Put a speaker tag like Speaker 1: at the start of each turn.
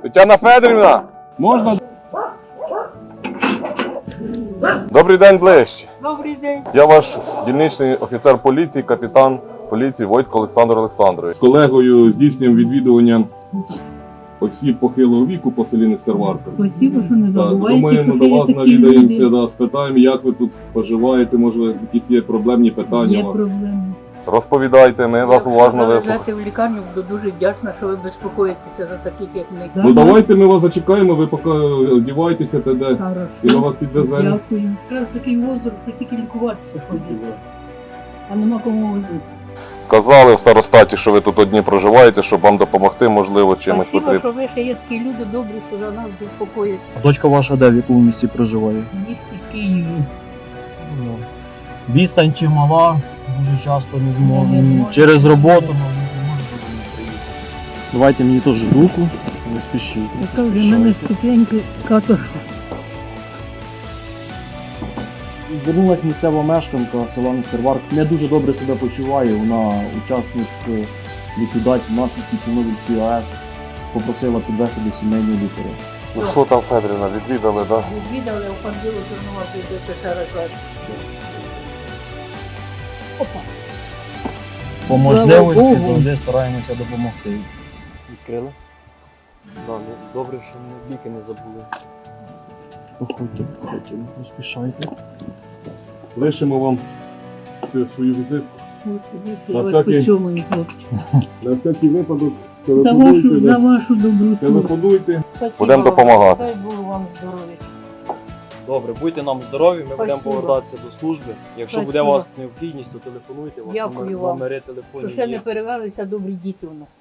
Speaker 1: Тетяна Федорівна! Можна? Добрий день, ближче.
Speaker 2: Добрий день.
Speaker 1: Я ваш дільничний офіцер поліції, капітан поліції Войтко Олександр Олександрович. З колегою здійснюємо відвідування осіб похилого віку по селі Нескарварка.
Speaker 2: Спасибо, що не забуваєте,
Speaker 1: Думаємо,
Speaker 2: що
Speaker 1: до
Speaker 2: є
Speaker 1: вас
Speaker 2: такі
Speaker 1: навідаємося,
Speaker 2: люди.
Speaker 1: спитаємо, як ви тут поживаєте, може якісь є проблемні питання
Speaker 2: Є
Speaker 1: у вас.
Speaker 2: проблеми.
Speaker 1: Розповідайте, ми вас уважно вислухаємо.
Speaker 2: Завезете в лікарню, буду дуже вдячна, що ви безпокоїтеся за таких, як ми.
Speaker 1: Ну давайте ми вас зачекаємо, ви поки одівайтеся, тоді,
Speaker 2: Хорошо.
Speaker 1: і ми вас підвеземо.
Speaker 2: Дякую. Якраз такий возраст, що тільки лікуватися ходить. А нема кому возити.
Speaker 1: Казали в старостаті, що ви тут одні проживаєте, щоб вам допомогти, можливо, чимось
Speaker 2: Спасибо,
Speaker 1: потрібно.
Speaker 2: що ви ще є такі люди добрі, що за нас безпокоїться.
Speaker 3: А дочка ваша де, в якому місці проживає?
Speaker 2: В місті Києві.
Speaker 3: Ну, відстань чимала, дуже часто не
Speaker 2: Не
Speaker 3: зможу.
Speaker 2: зможу.
Speaker 3: Через роботу не можу приїхати. Давайте мені теж руку, не спішіть.
Speaker 2: Яка вже в мене ступеньки каторга.
Speaker 3: Звернулася місцева мешканка села Нескарварк. Не дуже добре себе почуває, вона учасник ліквідації наслідків Чорнобильської АЕС. Попросила підвести до сімейного лікаря.
Speaker 1: Ну що там, Федорівна, відвідали, так?
Speaker 2: Відвідали, оходили, Чорнова прийдете ще раз. Опа.
Speaker 3: По можливості
Speaker 2: Слава Богу.
Speaker 3: завжди стараємося допомогти. Відкрили? Так, добре, що ми ліки не забули. Проходьте, не спішайте.
Speaker 1: Лишимо вам свою візитку. На
Speaker 2: Ось
Speaker 1: всякий-
Speaker 2: по цьому і хлопчик.
Speaker 1: На всякий випадок
Speaker 2: За вашу доброту.
Speaker 1: телефонуйте.
Speaker 2: Спасибо
Speaker 1: Будемо
Speaker 2: вам.
Speaker 1: допомагати.
Speaker 2: Дай Бог вам здоров'я.
Speaker 3: Добре, будьте нам здорові, ми будемо
Speaker 2: Спасибо.
Speaker 3: повертатися до служби. Якщо буде у
Speaker 2: Спасибо.
Speaker 3: вас необхідність, то телефонуйте, у вас
Speaker 2: Дякую вам.
Speaker 3: номери
Speaker 2: Що
Speaker 3: телефонів
Speaker 2: ще не
Speaker 3: є.
Speaker 2: перевелися добрі діти у нас.